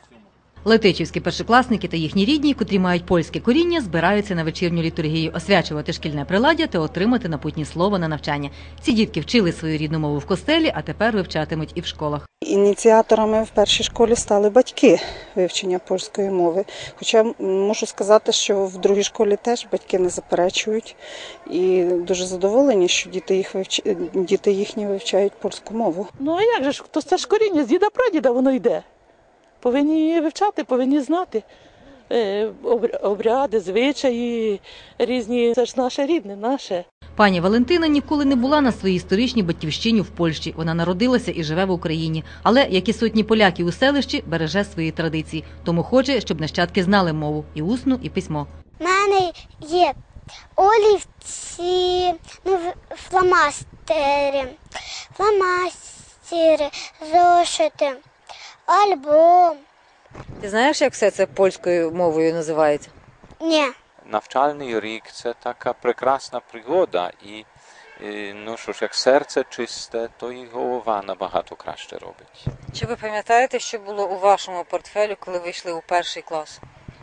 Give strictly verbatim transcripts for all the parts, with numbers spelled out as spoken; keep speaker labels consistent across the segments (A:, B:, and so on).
A: Летичівські першокласники та їхні рідні, котрі мають польське коріння, збираються на вечірню літургію освячувати шкільне приладдя та отримати напутнє слово на навчання. Ці дітки вчили свою рідну мову в костелі, а тепер вивчатимуть і в школах.
B: Ініціаторами в першій школі стали батьки вивчення польської мови. Хоча можу сказати, що в другій школі теж батьки не заперечують і дуже задоволені, що діти, їх вивч... діти їхні вивчають польську мову.
C: Ну а як же ж, то це ж коріння з діда-прадіда воно йде. Повинні її вивчати, повинні знати обряди, звичаї різні. Це ж наше рідне, наше.
A: Пані Валентина ніколи не була на своїй історичній батьківщині в Польщі. Вона народилася і живе в Україні. Але, як і сотні поляків у селищі, береже свої традиції. Тому хоче, щоб нащадки знали мову – і усну, і письмо.
D: У мене є олівці, ну, фломастери, фломастери, зошити, альбом.
A: Ти знаєш, як все це польською мовою називається?
D: Ні.
E: Навчальний рік – це така прекрасна пригода. І, ну що ж, як серце чисте, то і голова набагато краще робить.
A: Чи ви пам'ятаєте, що було у вашому портфелі, коли ви йшли у перший клас?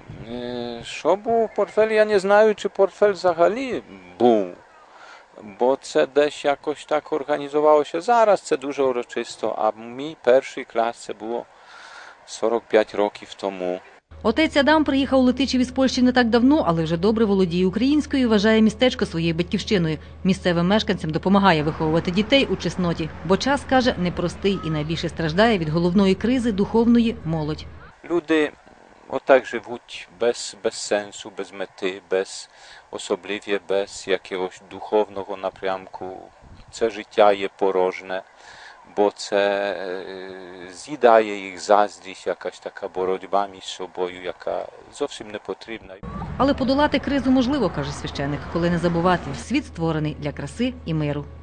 E: Що було у портфелі? Я не знаю, чи портфель взагалі був. Бо це десь якось так організувалося. Зараз це дуже урочисто, а мій перший клас це було сорок п'ять років тому.
A: Отець Адам приїхав у Летичів із Польщі не так давно, але вже добре володіє українською і вважає містечко своєю батьківщиною. Місцевим мешканцям допомагає виховувати дітей у чесноті. Бо час, каже, непростий і найбільше страждає від головної кризи духовної молодь.
E: Люди отак живуть без, без сенсу, без мети, без особливо без якогось духовного напрямку. Це життя є порожне. Бо це з'їдає їх заздрість, якась така боротьба між собою, яка зовсім не потрібна.
A: Але подолати кризу можливо, каже священик, коли не забувати, світ створений для краси і миру.